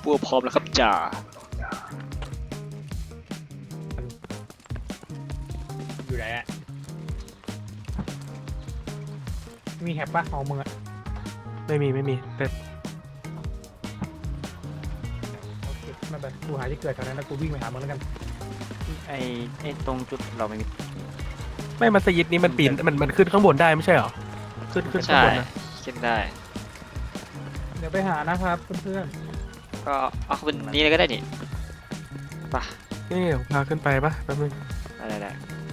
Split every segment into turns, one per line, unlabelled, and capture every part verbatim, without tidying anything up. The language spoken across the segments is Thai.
วพร้อมแล้วครับจ่า
อยู่ไหนอะมีแฮปปะของมึงอะ
ไม่มีไม่มีแต่
โอเคไม่เป็นกูหาที่เกิดแถวนั้นแล้วกูวิ่งไปหามึงแล้วกัน
ไอไอตรงจุดเราไม่มี
ไม่มัสยิดนี้มันปีนมันมันขึ้นข้างบนได้ไม่ใช่เหรอขึ้นขึ้นข้าง
ใช่
บนนะ
ขึ้นได้
เดี๋ยวไปหานะครับเพื่อน
ก็เอาขึ้นนี้เลยก็ได้นี่ไปะ
นี่ผมพาขึ้นไปปะแป๊บนึง
ได้ได้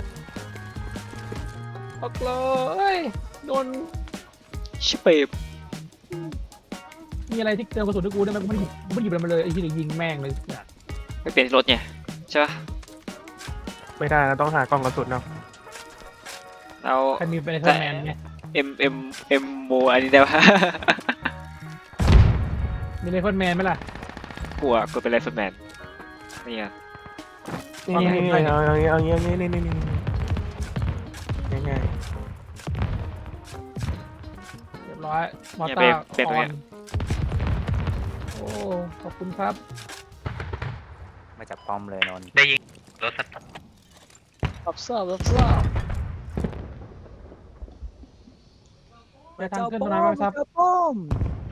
ๆปักเลยโดน
ชิเปบ
มีอะไรที่เติมกระสุนให้กูได้ไหมกูไม่ได้หยิบไม่ได้หยิบอะไรมาเลยไอ้ที่ยิงแม่งเลยเนี่ย
ไม่เปลี่ยนรถไงใช่ปะ
ไม่ได้นะต้องหากล่องกระสุนเอา
เรา
ใครมีเป็นไอเทอร์แมนไง
เอ็มเอ็มเอ็มโมอันนี้ได้ปะ
มีไอเทอร์แมนไหมล่ะ
กลัวกลัวเป็นไรฟ์แมนนี่ไง
นี่นี่นี่เอาเอาเอาเอาเอานี่นี่นี่นี่ง่าย
เรียบร้อยมอ
เนี่ย
เตอ
เปลี่ยน
ร์
เปลี่ยนตรงเนี้ย
ออนโอ้ขอบคุณครับ
มาจากป้อมเลยนนท์
ได้ยิงรถสัตว์
รับทราบรับทราบ
ไปทางขึ้นตรงนั้นไหมครับ
ป้อม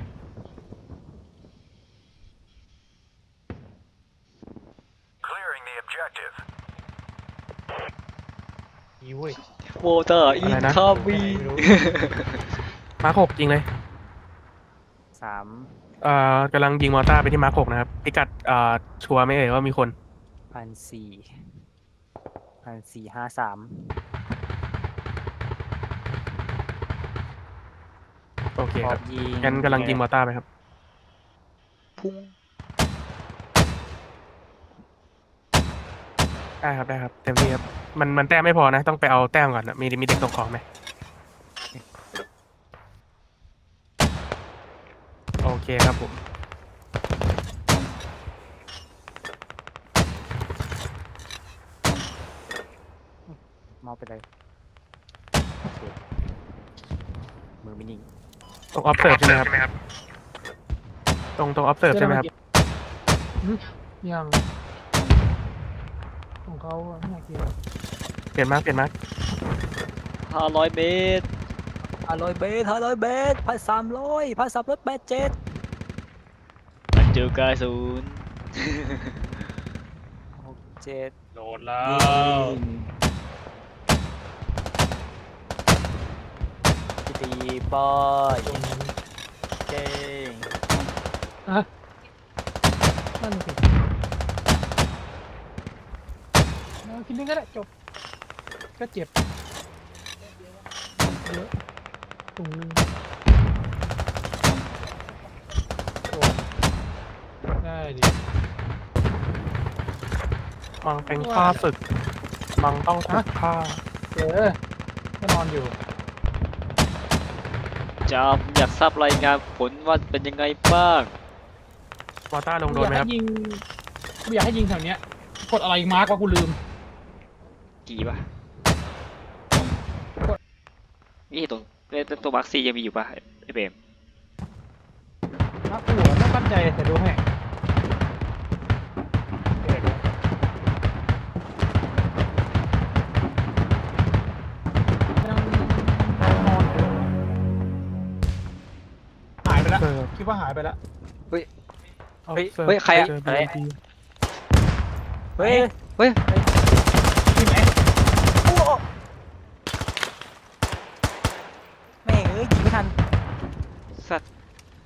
อีเว้ย
โวเตอร์อินคามี
ๆมาร์คหกยิงเลย
สาม
เอ่อกำลังยิงมอร์ตาร์ไปที่มาร์คหกนะครับพิกัดเอ่อชัวร์ไหมเอ่ยว่ามีคน
พันสี่พันสี่ห้าสาม
โอเค
พ
ค
ร้อ
รับ
มยิง
งั้นกำลังยิงมอร์ตาร์ไปครับ
พุ่ง
ได้ครับได้ครับเต็มที่ครับมันมันแต้มไม่พอนะต้องไปเอาแต้มก่อนนะมีมีเด็กตกของไหมโอเคครับผม
มอบไปเลยโอเคมือไม่นิ่ง
ตรง observe ใช่ไหมครับตรงตรง observe ใช่ไหมครับ
หึยังของเขาอะไม่เกี่ยว
เปลี่ยนมาร์คเปลี่ยนมาร์ค
ห้าร้อยเมตร
ห้าร้อยเบสห้าร้อยเบสพันสามร้อยพันสามร้อยแปดเจ็ด
มันเจอกายศูนย์
หกเจ็ด
โดนแล้
ยิ
ว
งตีบอยเก่ง
อะนั่นสิเอาคิดนึงก็ได้จบก็เจ็บเยอะถุงหนึงโอ้ได้ดิ
มังเป็นข้าศึกมังต้องถูกฆ่า
เออก็นอนอยู่
จามอยากทราบรายงานผลว่าเป็นยังไงบ้าง
มอร์ตาร์ลงโดนไหมครับ
อยากให้ยิงกูอยากให้ยิงแถวเนี้ยกดอะไรมาร์กว่ากูลืม
กี่ปะนี่ตรงตัวมาร์คซียังมีอยู่ปะไอเบม
มาร์กหัวไม่มั่นใจแต่ดูให้ยังนอนอยู่หายไปแล้ว
เออ
คิดว่าหายไปแล้ว
observe
เฮ้ยใครอะ
เจอ
อะไร
บี เอ็ม พี
เฮ้ย
เฮ้ย
ที่ไหน
โอ้แม่งเอ้ยยิงไม่ทัน
สัตว์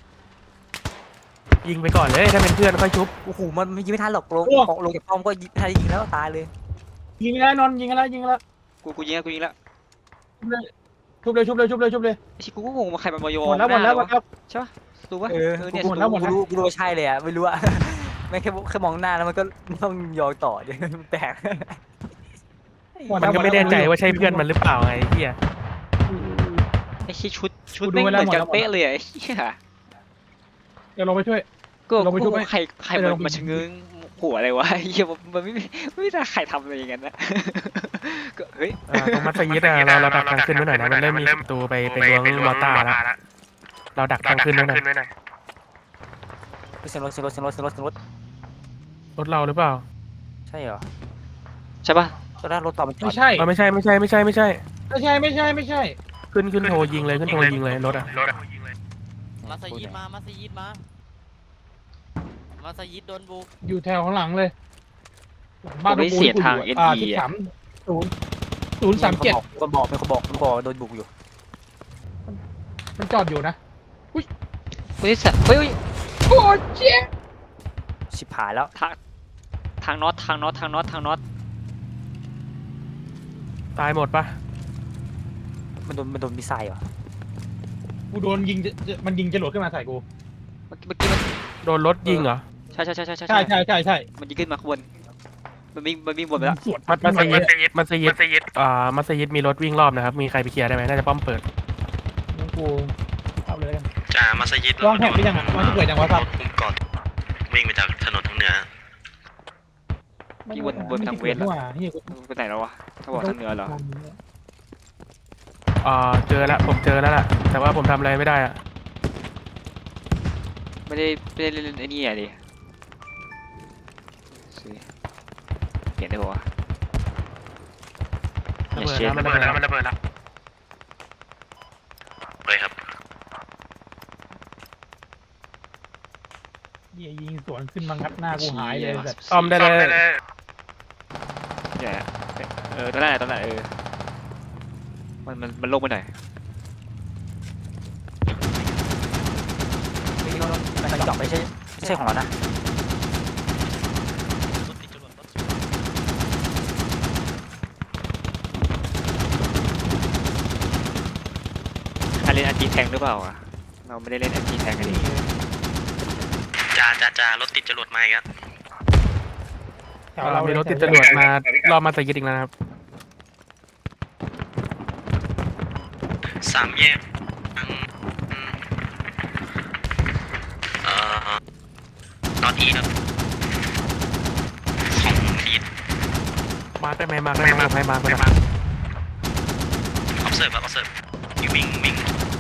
ยิงไปก่อนเลยถ้าเป็นเพื่อนค่อยชุบ
โอ้โหมันมันยิงไม่ทันหรอกลงของลงจากป้อมก็ยิงไม่ทันยิงแล้วตายเลย
ยิงแล้วนอนยิงแล้วยิงแล้ว
กูกูยิงแล้วกูยิงแล้ว
ชุบเลยชุบเลยชุบเลยชุบเลย
ไอ้ชิกูก็งงมาใครมันมาโย
หมดแล้วหมดแล้วหมดแล้ว
ใช่ปะรู้ปะ
เออ
เออเนี่ย
หมดแล้วหมดแล้ว
กูรู้กูรู้ว่าใช่เลยอ่ะไม่รู้อ่ะ แม่งแค่แค่มองหน้าแล้วมันก็ต้องยองต่อเดี๋ยวมันแตก
หมด
มั
แล้ว
นก็ไม่
หดแล้ว
แน่ใจว่าใช่เพื่อนมันหรือเปล่าไงไอ้เหี้ย
ไอ้ชิชุดชุด
กูดู
ไม่ง
ไว้
เห
แล้ว
มือนกัน
หมดแล้ว
เป๊ะเลยอะไอ้เหี้ย
เดี๋ยวลงไปช่วย
ก็
ลงไปชุบ
กู
ไหม
ใครใคร
เดี๋
มั
ยวน ลงไป
มาชะเง้งหัวอะไรวะไอ้เหี้ยมันมันไม่มีไม่มีใครทำอะไรอย่างนั้นนะก็เฮ้ย
อ่าตรงมัสยิดอะเราเราดักทางขึ้นไว้หน่อยนะมันเริ่มมีประตูไปไปล้วงมอร์ตาร์แล้วเราดักทางขึ้นไว้หน่อย
ไปเสียงรถเสียงรถเสียงรถเสียงรถเสียงรถ
รถเราหรือเปล่า
ใช่เหรอ
ใช่ปะ
ตอนแรกรถต่อมันจอ
ไม่
ด
ใช่
เออไม่ใช่ไม่ใช่ไม่ใช่ไม่ใช่
ไม่ใช่ไม่ใช่ไม่ใช่
ขึ้นขึ้นโทรยิงเลยขึ้นโทรยิงเลยรถอ่ะ
มัสยิดมา มัสยิดมา มัสยิดโดนบุก
อยู่แถวข้างหลังเลย
ผมไม่เสียทางเอ็น
อ่า
ดี
ที่
อ่ะ
สามศูนย์ศูนย์สามเจ็ด
ก็บอกเป็นคนบอกเป็นคนบอกโดนบุกอยู่
มันจอดอยู่นะ
บริษัทเฮ้ยเฮ้ย
โอ้เจ๊
ชิบหายแล้ว
ทางทางน็อตทางน็อตทางน็อตทางน็อต
ตายหมดปะ
มันโดนมันโดนมิสไซล์เหรอ
กูโดนยิงจะจะมันยิงจรวดขึ้นมาใส่กู
เมื่อกี้เมื่อกี้มัน
โดนรถยิงเหรอ
ใช่ใช่ใช่ใช่ใช่
ใช่ใช่ใช่ใช่
มันยิงขึ้นมาข้างบนมันวิ่งมันวิ่งบนไปแล้ว
สวน
มัสมัสยิดมัสยิดอ่ามัสยิดมีรถวิ่งรอบนะครับมีใครไปเคลียร์ได้ไหมน่าจะป้อมเปิด
งั้นกูเอาเลยแล้วกัน
จ่ามัสยิด
วางแผนไปยังอ่ะวางที่เกิดยังวะครับ
คุมก่อนวิ่งไปจากถนนทางเหนือ
ที่วนวนทางเวส
แล้
แล้ว ว
เฮียกู
ไปไหนแล้ววะถ้าบอกทางเหนือเหรอ
อ่าเจอแล้วผมเจอแล้วล่ะแต่ว่าผมทำอะไรไม่ได้อ่ะ
ไม่ได้ไม่ได้เล่นไอ้นี่อ่ะดิสิเปลี่ยนได้ปะวะ
ระเบิดแล้วมันระเบิดแล้วมันระเบิดแล้ว
ไปครับ
เฮียยิงสวนขึ้นมางัดหน้ากูหายเลยแบบ
ซ่อมได้เลย
เนี่ยเออตอนนั้นตอนนั้นเออมันมันมันลงไปไหนอย
ไม่รู้นะมันจอดไม่ใช่ไม่ใช่ของเรานะ
ใครเล่นอันจีแทงหรือเปล่าอ่ะเราไม่ได้เล่นอันจีแทงกันดิ
จ่าจ่าจ่ารถติดจรวดมาอีกแล้ว
แถวเรา
มีรถติดจรวดมารอบมัสยิดอีกแล้วนะครับ
สามแยกทางอืมเอ่อนอตอีครับของอีท
มาร์คได้ไหมมาร์คได้ไหมให้มาร์คไปนะ
ออฟเซิร์ฟครับออฟเซิร์ฟวิ่งวิ่ง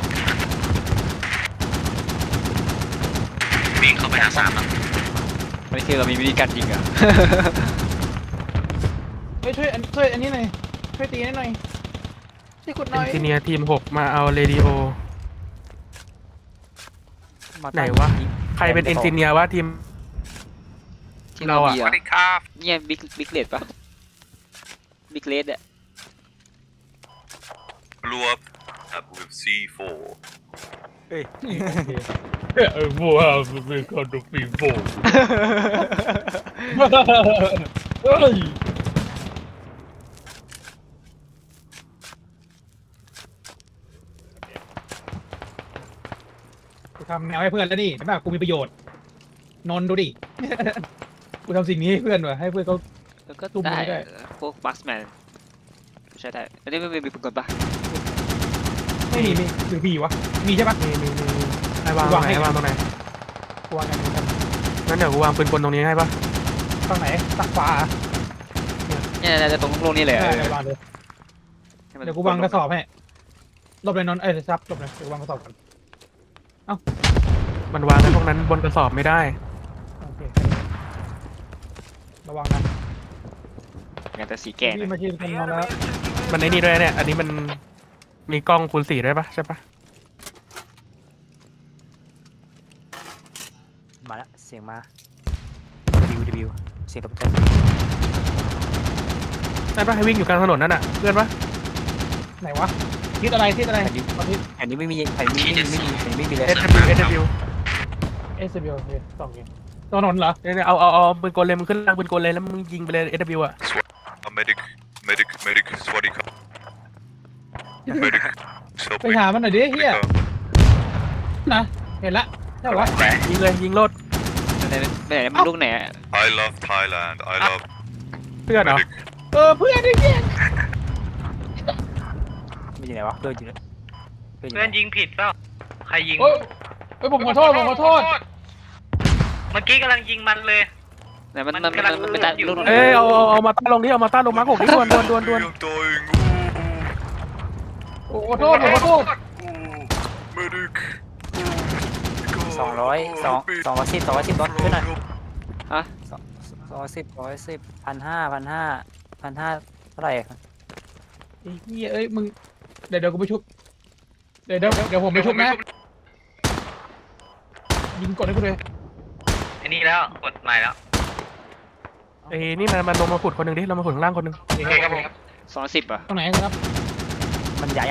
วิ่งเข้าไปหาสามครับ
ไม่คือเรามีวิธีการยิงอ่ะ
เฮ้ยช่วยอันช่วยอันนี้หน่อยช่วยตีให้หน่อยช่วยกดห
เอ
น่อน ย
จิเนียร์ทีมหกมาเอาเรดิโอ ไหนวะ ใครเป็นเอนจิเนียร์วะทีม
ที่เรา
เราอะ
มีอ่ะเนี่ยบิ๊กบิ๊กเลดปะบิ๊กเลดอ่ะ
รัว with ซี โฟร์
เออบัวมันเป็นคนดูฟีโบเฮ้ยกูทำแนวให้เพื่อนแล้วนี่เห็นป่ะกูมีประโยชน์นนท์ดูดิ กูทำสิ่งนี้ให้เพื่อนว่ะให้เพื่อนเขา
แล้วก็
ตุ้ม
ได้
ไม่ได้
พวกบัสแมนใช่ได้อันนี้ไม่มีปืนกลปะ
ไม่มีมีหรือมีวะมีใช่ปะ
มีมีมีมีให้วางตรงไหนให้วางตรงไหน
กูวางกันกัน
งั้นเดี๋ยวกูวางปืนกลตรงนี้ให้ปะ
ฝั่งไหนตักฟ้า
เนี่ยจะตรงโลงนี่เลย
ได้
อะ
เลยวางเลย
ให้มัน
เดี๋ยวกูวางกระสอบให้หลบเลยนนท์เอ้ยซับหลบเลยเดี๋ยวกูวางกระสอบก่อน
มันวางกันพวกนั้นบนกระสอบไม่ได้
โอเคระวังนะ
งานแต่สีแก่นะ
พี่มาชิมกันมาแล้ว
มันไอ้นี่ด้วยเนี่ย อันนี้มันมีกล้องคูณสี่ด้วยปะใช่ปะ
มาแล้วเสียงมาดิวดิวเสียงรถจักร
นั่นปะให้วิ่งอยู่กลางถนนนั่นน่ะเพื่อนปะ
ไหนวะทิศอะไรทิศอะไร
แผ่นนี้
ตอนนี้
แผ่นนี้ไม่มีแผ่นนี้ไม่มีไม่มีแผ่นนี้ไม่มีเลย
เอสวิวเอสวิว
เอสบีโอเคสองเกมถนนเหรอ
เนี่ยเอาเอาเอาปืนกลเลยมึงขึ้นล่างปืนกลเลยแล้วมึงยิงไปเลยเอสวิวอะ
medic medic medic สวัสดีครับ medic
ไปหามันหน่อยดิเฮียนะเห็นละใช่ปะ
ยิงเลยยิงรถ
ไม่ไหนไม่ไหนมันลูกไหนอะ
I love Thailand I love
เพื่อนเหรอ
medic
เออเพื่อนดิเฮีย
ไม่อยู่ไหนวะเพื่อนอยู่ไหนเพื่อนอยู่
เพื่
ไห
อน นยิงผิดเปล่าใครยิง
โอ้ยเอ้ยผมขอโทษผมขอโทษ
เมื่อกี้กำลังยิงมันเลย
ไหนมัน
มั
มัน
น
มัน
กำลัง
มันไม่ได้
อยู่
ลูกไหน
เอ้ยเอาเอาเอามาต้านลงดิเอามาต้านลงมาร์คหกดิดวนดวนดวนดวน
I'm dying
โอ้ขอโทษผมขอโทษ
medic
สองร้อยสองสองร้อยสิบสองร้อยสิบรถขึ้นหน่อย
ฮะ
สองสองร้อยสิบสองร้อยสิบพันห้าพันห้าพันห้าเท่าไหร่
ไอ้เหี้ยเอ้ยมึงเดี๋ยวเดี๋ยวกูไปชุบเดี๋ยวเดี๋ยวเดี๋ยวผมไปชุบนะยิงกดให้กูเลย
อันนี้แล้วกดใหม่แล้ว
ไอ้นี่มันมันลงมาขุดคนหนึ่งดิลงมาขุดข้างล่างคนหนึ่ง
โอเคครับผม
สองสิบอ่ะ
ตรงไหนครับ
มันใหญ่ยัง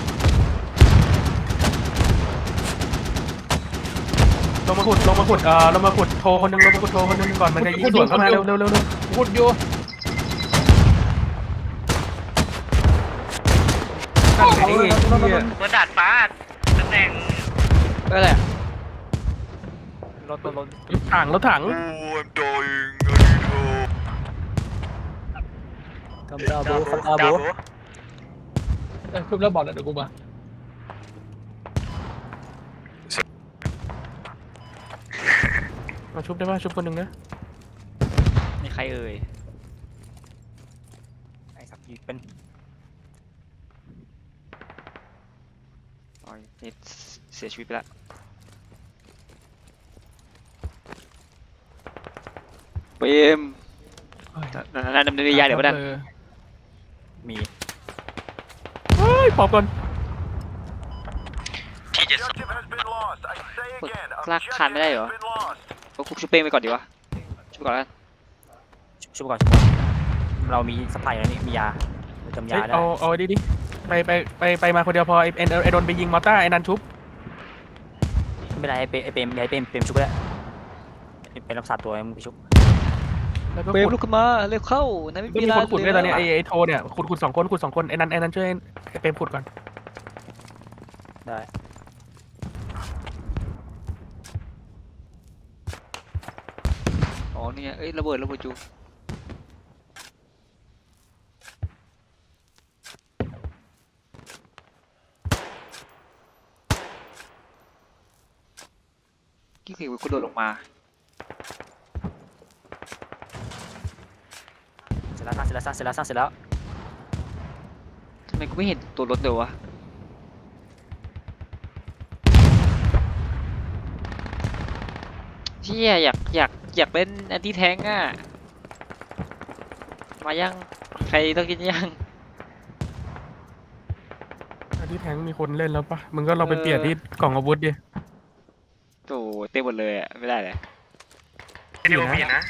ลงมาขุดลงมาขุดเอ่อลงมาขุดโทรคนหนึ่งลงมาขุดโทรคนหนึ่งก่อนมันจะยิงสวนเข้ามาเร็วเร็วเร็วเร็ว
พูดอยู่
ไอ้เหี้ย
บนดาดฟ้าตำแหน่ง
เอออะไรอะ
รถรถรถ
รถถังรถถัง
Oh, I'm dying. I need help.
คำดาบูคำดาบู
เออชุบแล้วบอกแล้วเดี๋ยวกูมา
มาชุบได้ป่ะชุบคนหนึ่งนะ
มีใครเอ่ย
ไอ้สักทีเป็น
อ๋อนี่เสียชีวิตไปแล้วเปรมนั่นดำเนินยาเดี๋ยวมาดัน
มี
เฮ้ยปอบก่อน
ที่จะ
ลากคานไม่ได้เหรอก็คุกชุบเป้งไปก่อนดีวะชุบก่อนแล้ว
ชุบก่อนชุบก่อนเรามีสปายแล้วนี่มียาจำยา
เฮ้ย
ได้
เอาเอาดิดิไปไปไปไปมาคนเดียวพอไอ้ไอ้โดนไปยิงมอต้าไอ้นันชุบ
ไม่เป็นไรไอ้เปไอ้เปมไอ้เปมเปมชุบแล้วเป็นรักษาตัวมึงไปชุบ
แล้วก็
เปรม
ขุด
ลุกขึ้นมาเร็วเข้านายไม่
ก็
มี
มี
เวลา
คนขุดด้วยตอนเนี้ย
เล
ไอ้ไอ้โทเนี่ยขุดขุดสองคนขุดสองคนไอ้นันไอ้นันช่วยไอ้เปรมขุดก่อน
ได้
อ๋อนี่ไงเอ้ยระเบิดระเบิดจูกี่คือกูโดดลงมา
เสร็จแล้วเสร็จแล้วเสร็จแล้วเสร็จแล้ว
ทำไมกูไม่เห็นตัวรถเลยวะเชี่ยอยากอยากอยากเล่นแอนตี้แทงอ่ะมายังใครต้องกินยัง
อันที่แทงมีคนเล่นแล้วปะมึงก็เราไปเปลี่ยนที่กล่องอาวุธดิ
โอ้เต็มหมดเลยอ่ะไม่ได้เลย
วิดีโอมีนะ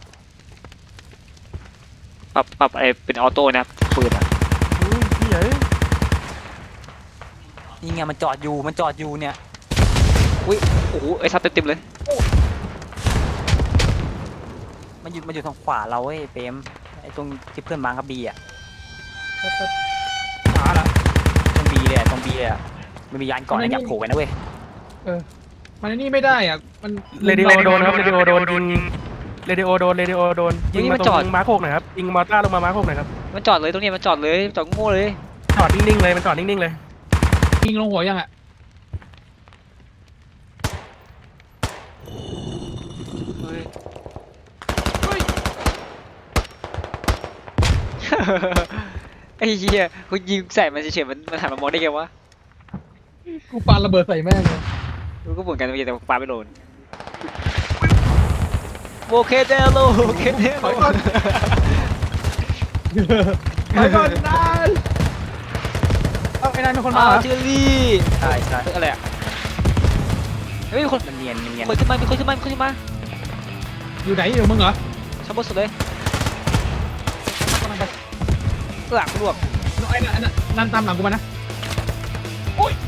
ปรับปรับไอเป็นออโต้นะปืนอ่ะ
อุ้ยพี่ใหญ่
นี่ไงมันจอดอยู่มันจอดอยู่เนี่ย
อุ้ยโอ้โหไอซับเต็มเต็มเลย
มันอยู่มันอยู่ทางขวาเราเว้ยเปมไอ้ตรงที่เพื่อนมากับบีอ่ะ
ขาละ
ตรงบีเลยอะตรงบีเลยอะมันมียานก่อนนะอยากโผล่ไปนะเว้ย
มันไอ้นี่ไม่ได้อ่ะมัน
เรดิโอโดนครับเรดิโอโดนยิงเรดิโอโดนเรดิโอโดนยิงมาตรงมาร์คหกหน่อยครับยิงมอต้าลงมามาร์คหกหน่อยครับ
มันจอดเลยตรงนี้มันจอดเลยจอดโง่เลย
จอดนิ่งๆเลยมันจอดนิ่งๆเลย
ยิงลงหัวยังอ่ะ
เฮ้ย ไอ้เหี้ยกูยิงใส่มันเฉยๆมันมันหันมามองได้ไงวะ
กูปาระเบิดใส่แม่งเลย
กูก็เหมือนกันเมื่อกี้แต่ปาไม่โดนโอเคเดโลโอเคเดโล
ไปก่อนนายเอาไอ้นายเป็นคนมา
มา
เหรอ
เจอรี่
ใช่ใช่
เฮ้ยอะไรอ่ะเฮ้ยมีคน
มันเนียนมันเนียน
คนขึ้นมามีคนขึ้นมามีคนขึ้นมา
อยู่ไหนอยู่มึงเหรอ
ชั้นบนสุดเลย
กำลังไป
หลังลวก
ไอ้นั่นไอ้นั่นนั่นตามหลังกูมานะโอ๊ย